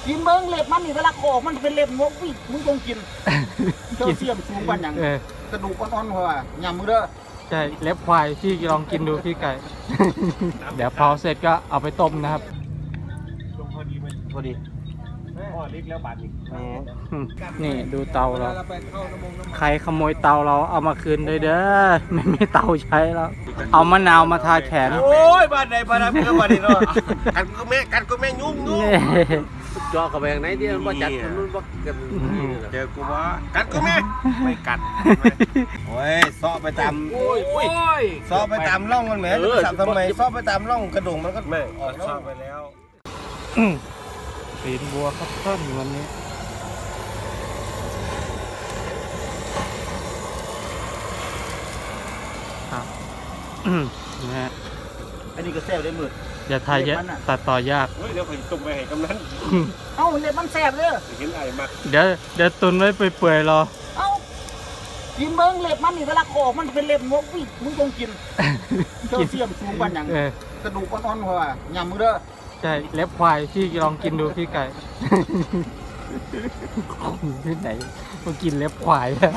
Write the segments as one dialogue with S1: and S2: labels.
S1: กินเบิ้งเล็บมันนี่เวลาโขกมันเป็นเล็บงกวิ่งมึงต้องกินเจ้าเสียมสูงกว่าอย่างกระดูกอ่อนๆหัวยำมือเด้อ
S2: ใช่เล็บควายพี่ลองกินดูพี่ไก่ เดี๋ยวพอเสร็จก็เอาไปต้มนะครับ
S3: พอดีไหม
S4: พอดี
S3: พ่อเล็กแล้วบาดอีก
S2: นี่ดูเตาเราใครขโมยเตาเราเอามาคืนเลยเด้อไม่มีเตาใช้แล้วเอามะนาวมาทาแขน
S4: โอ้ยบ้านไหนบ้านนั้นเพื่อนบ้านนี้เนาะกันก็แม่ยุ่งจอกับแบงไหนที่มันจัดมันรุ่นว่ากันเจอกูว่ากันก็แม่ไม่กัดโอ้ยซ้อไปตามซ้อไปตามร่องมันแหมจะสับทำไมซ้อไปตามร่องกระดูกมันก็ไม่ออกซ้อไปแล้ว
S2: ตีนบัวครับต้นวันนี้นะฮะ
S1: อันนี้ก็แซ่บได้มือ
S2: อย่าทายเยอะตัดต่อยาก
S4: เดี๋ยวผมตุ่มไปให้กำนัน
S1: เอ้าเล็บมันแซ่บเลย
S4: เห็นไอ้มัก
S2: เดี๋ยวตุนไว้เปื่อยๆรอ
S1: เอ้ากินเบิ้งเล็บมันนี่เวลาโขกมันเป็นเล็บงกวิ่งมึงต้องกินเจ้าเสียมสูงกว่าอย่างกระดูกอ่อนๆหัวยำมือเด้อ
S2: ใช่เล็บควายพี่ลองกินดูพี่ไก่ที่ไหนมากินเล็บควายแล้ว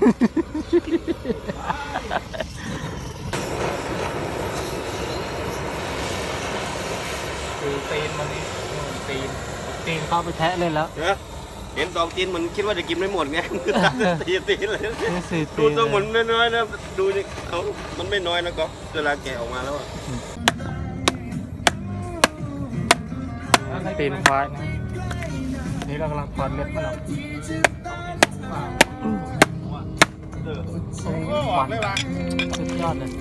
S2: คือตีนมันนี่ตีนเข้าไปแทะเล่นแล้ว
S4: เห็น2 ตีนมันคิดว่าจะกินไม่หมดไงตีนเลยดูตัวเหมือนน้อยๆนะดูนี่เขามันไม่น้อยนะก็เวลาแกะออกมาแล้ว
S2: ตีนควายนะนี่เรากำลังถอดเล็บมันออกหวานสุดยอดเลย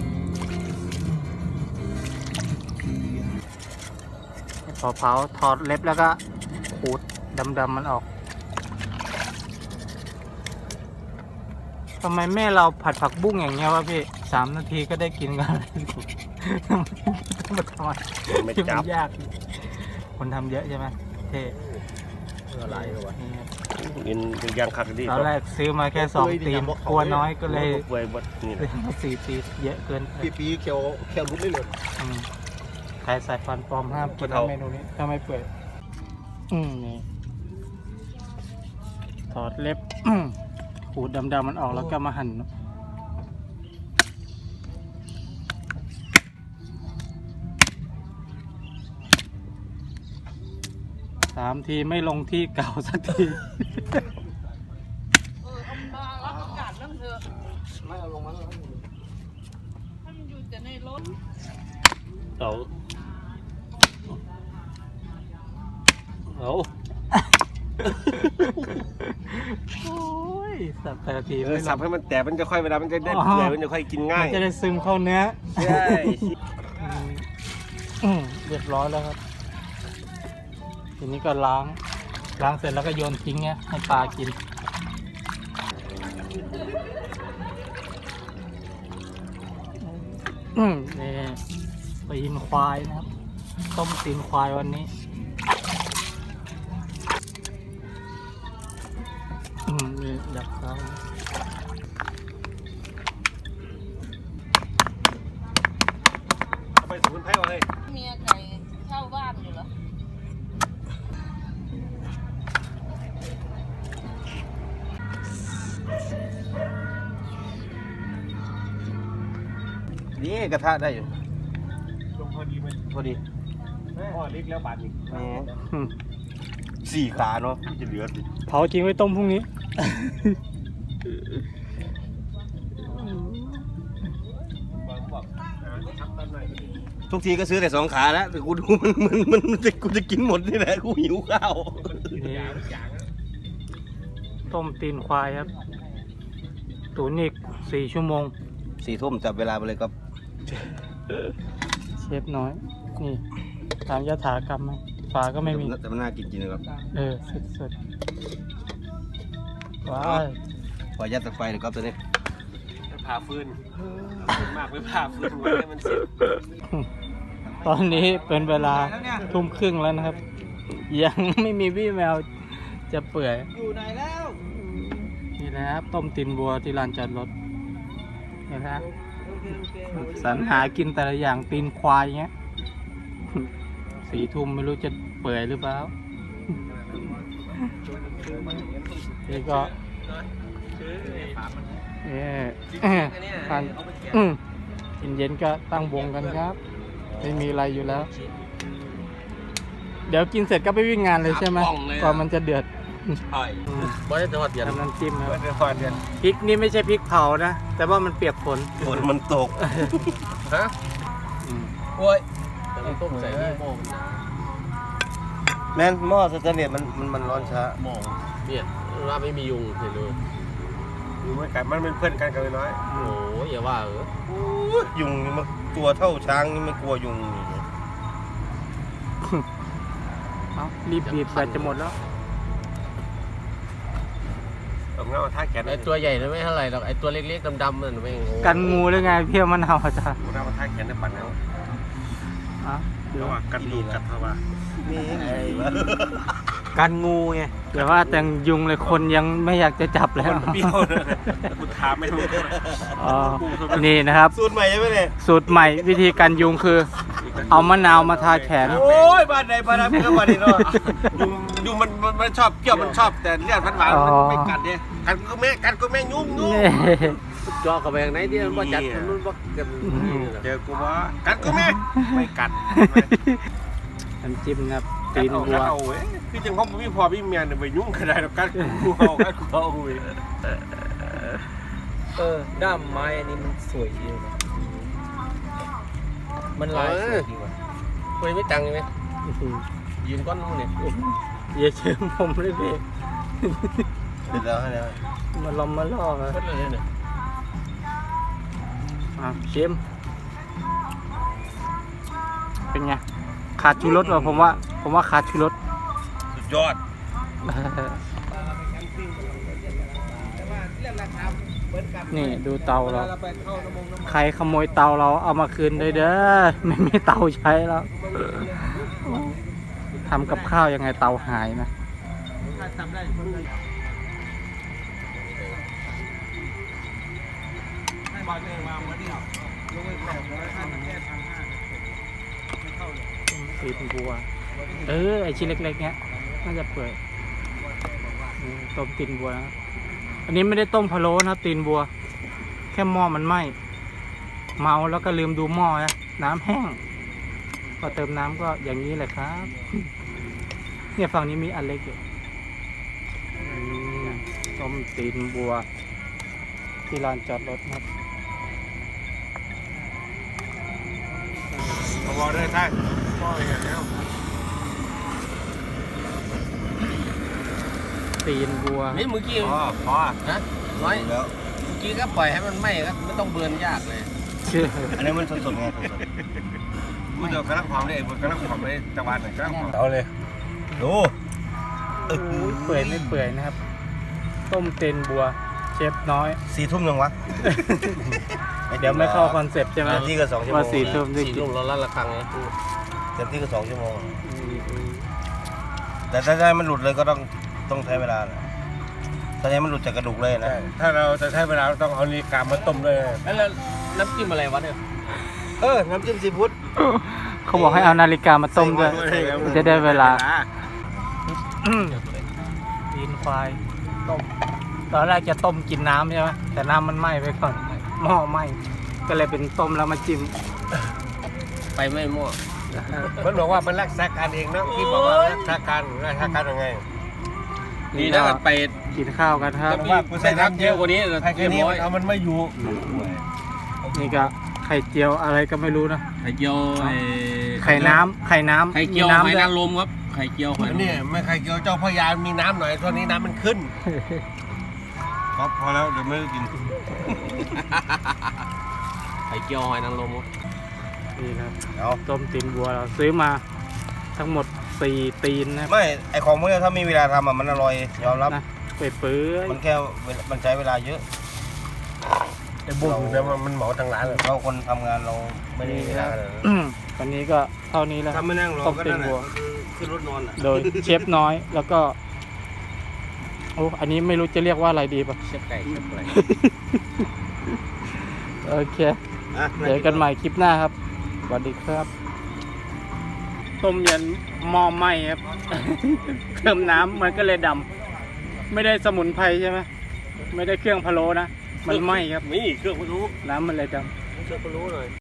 S2: พอเผาถอดเล็บแล้วก็ขูดดำๆมันออกทำไมแม่เราผัดผักบุ้งอย่างเงี้ยวะพี่3 นาทีก็ได้กินกันเลยต้องมาทำไม่จับยากคนทำเยอะใช่ไหมเท่
S4: อะไรวะกินยางคักดี
S2: ตอนแรกซื้อมาแค่2 ตีนกลัวน้อยก็เลยซื้อมา4 ตีนเยอะเกิน
S4: ปีเคียวรุดได้เลย
S2: ใครใส่ฟันปลอมห้ามกินเมนูนี้ถ้าไม่เปื่อยนี่ถอดเล็บขูดดำๆมันออกแล้วก็มาหั่น3 ทีไม่ลงที่เก่าสักที
S1: เอาอากาศนั่งเถอะไม่เอาลงมาเลยให้มันอยู่แต่ในรถ
S4: เอา
S2: โอ้ยสับแต่ละที
S4: สับให้มันแต่มันจะค่อยเวลามันจะได้เปื่อยมันจะค่อยกินง่าย
S2: มันจะได้ซึมเข้าเนื้อ
S4: ใช่
S2: เรียบร้อยแล้วครับทีนี้ก็ล้างเสร็จแล้วก็โยนทิ้งเนี่ยให้ปลากินนี่ตีนควายนะครับต้มตีนควายวันนี้นี่ดับเขา
S4: ไปสมุนไพรอะไร
S1: เมียไก่เช่าบ้านอยู่เหรอ
S4: นี่กระทะได้อยู่
S3: ลงพอดีไหม
S4: พอดี
S3: พ่อเล็กแล้วบาดอีก
S4: 4 ขาเนาะที่จะเหลือสิ
S2: เผาจริงไว้ต้มพรุ่งนี้
S4: ทุกทีก็ซื้อแต่2 ขาแล้วแต่กูดูกูจะกินหมดนี่แหละกูหิวข้าว
S2: ต้มตีนควายครับตุ๋นอีก4 ชั่วโมง
S4: 4 ทุ่มจับเวลาไปเลยครับ
S2: เชฟน้อยนี่ตามยถากรรมฝาก็ไม่มี
S4: แต่มันน่ากินจริงนะครับ
S2: สุดว้าว
S4: พอยัดตะไฟเลยครับตัวนี้
S3: ผ่าฟืนมากไปผ่าฟืนไว้ให้มันเสร็จ
S2: ตอนนี้เป็นเวลา 20:30แล้วนะครับยังไม่มีวี่แววจะเปื่อย
S1: อยู่ไหนแล้ว
S2: นี่นะครับต้มตีนบัวที่ลานจอดรถเห็นไหมสรรหากินแต่ละอย่างตีนควายเงี้ย4 ทุ่มไม่รู้จะเปื่อยหรือเปล่านี่ก็ทานกินเย็นก็ตั้งวงกันครับไม่มีอะไรอยู่แล้ว เดี๋ยวกินเสร็จก็ไปวิ่งงานเลยใช่ไหมก่อนมันจะเดือด
S3: บ่ได้ทอดเดียน
S2: ทำน้ำจิ้มครับ
S4: ไม่ได้ทอดเดือน
S2: พริกนี่ไม่ใช่พริกเผานะแต่ว่ามันเปียกฝน
S4: ฝนมันตก
S3: ฮะโอ้ยแต่มันต้มใส่นี่หม้อมันหนา
S4: แม่นหม้อสแตนเลสมันร้อนช้า
S3: หม้อเนี่ยว่าไม่มียุงเห็นเลย
S4: อยู่ไม่กันมันเป็นเพื่อนกันกันน้อย
S3: โอ้ยอย่าว่า
S4: ยุงนี่มันตัวเท่าช้างนี่ไม่กลัวยุง
S2: เอารีบบีบแบตจะหมดแล้ว
S4: เอาเงาท่าแขน
S3: ไอตัวใหญ่ไม่เท่าไหร่หรอกไอตัวเล็กๆดำๆมันไม่
S2: กันงูหรือไงเพี้ยมันเอาจ้ะ
S4: เอาท่าแขนในปั่นเอา
S2: เดี๋ยว
S4: ระหว่างกันดูกัดเข้ามานี่ไงวะ
S2: กันงูไงเดี๋ยวว่าแต่งยุงเลยคนยังไม่อยากจะจับแล้ว
S4: มันเปรี้ยวเลยคุณถามไม่ถูก
S2: อ๋อนี่นะครับ
S4: สูตรใหม่ใช่ไหมเนี่ย
S2: สูตรใหม่วิธีการยุงคือ เอามะนาวมาทาแขน
S4: โอ้ยบ้านไหนบ้านนั้นเพื่อนบ้านนี้เนาะยุงมันชอบเกี่ยวมันชอบแต่เลือดหวานๆมันไม่กัดเนี่ยกันก็แม่ยุ่ง
S3: จอกับไปอย่างไหนที่มันบ่จัดมันบ่กัน
S4: เจอกูว่ากันก็แม่ไม่กัด
S2: น้ำจิ้มครับตีนวัว
S4: เอาเว้ยคือจังของพี่พ่อพี่เมียเนี่ยไปยุ่งขนาดกันกูเอาเว้ย
S3: ด้ามไม้อันนี้มันสวยดีเลยมันลายสวยดีว่ะคุยไม่ตังค์ไหมยืนก้อนนู้นเนี่ย
S2: อย่าเชื่อผมเลยพี่
S4: เสร็จแล้วเนี่ย
S2: มาล้อมมาล่อมา
S3: ก้อนเลยเนี่ย
S2: ชิมเป็นไงขาดชูรสว่ะผมว่าขาดชูรส
S4: สุดยอด
S2: นี่ดูเตาเราใครขโมยเตาเราเอามาคืนเลยเด้อไม่มีเตาใช้แล้วทำกับข้าวยังไงเตาหายนะตีนบัวไอชิ้นเล็กๆเนี้ยน่าจะเปื่อยต้มตีนบัวนะอันนี้ไม่ได้ต้มพะโล้นะครับตีนบัวแค่หม้อมันไหม้เมาแล้วก็ลืมดูหม้อนะน้ำแห้งพอเติมน้ำก็อย่างนี้แหละครับ เนี่ยฝั่งนี้มีอันเล็กอยู่ต้มตีนบัวที่ลานจอดรถครับ
S4: เอาวอลได้ท่านพ่ออย่างนี้
S2: ตีนบัว
S3: นี่เมื่อกี้
S4: พ่อ
S3: นะน้อย
S4: แล้ว
S3: เมื่อกี้ก็ปล่อยให้มันไหม้ก็ไม่ต้องเบิร์นยากเลย
S2: ชื่อ
S4: อันนี้มันสดๆไงสดๆมันจะกระลังความเลยมันกระลังความเลยจังหวัดไหนกระลังความเอาเลยดู
S2: เปื่อยไม่เปื่อยนะครับ ต้มตีนบัวเชฟน้อย
S4: 4 ทุ่มยังวะ
S2: เดี๋ยวไม่เข้าคอนเซปต์ใช่ไหม
S4: เต็มที่ก็2 ชั่วโม
S2: ว่าง 4 ทุ่มได้
S3: สี่
S2: กิน
S3: ลูกเราละละครังเลย
S4: เต็มที่ก็2 ชั่วโมงแต่ถ้าให้มันหลุดเลยก็ต้องใช้เวลาแหละถ้าให้มันหลุดจากกระดูกเลยนะถ้าเราจะใช้เวลาต้องเอาลีกามาต้มเลย
S3: แล้วน้ำจิ้มอะไรวะเนี่ย
S4: น้ำจิ้มซีฟู้ด
S2: เขาบอกให้เอานาฬิกามาต้มด้วยจะได้เวลาตีนควายต้มตอนแรกจะต้มกินน้ำใช่ไหมแต่น้ำมันไหม้ไปก่อนหม้อไหม้ก็เลยเป็นต้มแล้วมาจิ้ม
S3: ไปไม่มั่ว
S4: มันบอกว่ามันรักษาการเองนะพี่บอกว่ารักษาการยังไง
S3: ดีนะไป
S2: กินข้าวกันครับ
S3: ใส่น้ำเยอะกว่านี้
S4: ใครแค่นี้มันไม่อยู่
S2: นี่ก็ไข่เจียวอะไรก็ไม่รู้นะ
S3: ไข่เจียว
S2: ไข่น้ำ
S3: ไข่เจียว
S2: มี
S3: หอย
S2: ด้วน
S3: างรมครับไข่เจียวหอย
S4: นี่ไม่ไข่เจียวเจ้าพญามีน้ำหน่อยช่วงนี้น้ำมันขึ้นครับพอแล้วเดี๋ยวไม่ได้กิน
S3: ไข่เจียวหอยนางรม
S2: นี่ครับ
S4: เอา
S2: ต้มตีนบัวเราซื้อมาทั้งหมด4 ตีนนะครับ
S4: ไม่ไอของพวกนี้ถ้ามีเวลาทำมันอร่อยยอมรับ
S2: นะเปื่อย
S4: มันแค่มันใช้เวลาเยอะไอ้บุ้งเนี่ยมันเหมาทางร้านเลยเราคนทำงานเราไม่ได้เวลาเลย
S2: ๆวันนี้ก็เท่านี้แล้ว
S4: ถ้าไม่นั่งรอ
S2: ต้ม
S4: ก็
S2: ตี
S4: ได้
S2: นบัว
S4: ขึ้นรถนอน
S2: โดยเชฟน้อยแล้วก็โอ้อันนี้ไม่รู้จะเรียกว่าอะไรดีป่ะ
S3: เชฟไก่
S2: โอเคเจอกันใหม่คลิปหน้าครับสวัสดีครับต้มยันหม้อไหม้ครับ เครื่องน้ำมันก็เลยดำไม่ได้สมุนไพรใช่ไหมไม่ได้เครื่องพะโล้นะมันไหม้ครับ
S3: นี่เครื่องพะโล้
S2: น้ำมันเลยดำ
S3: เครื่องพะโล้หน่อย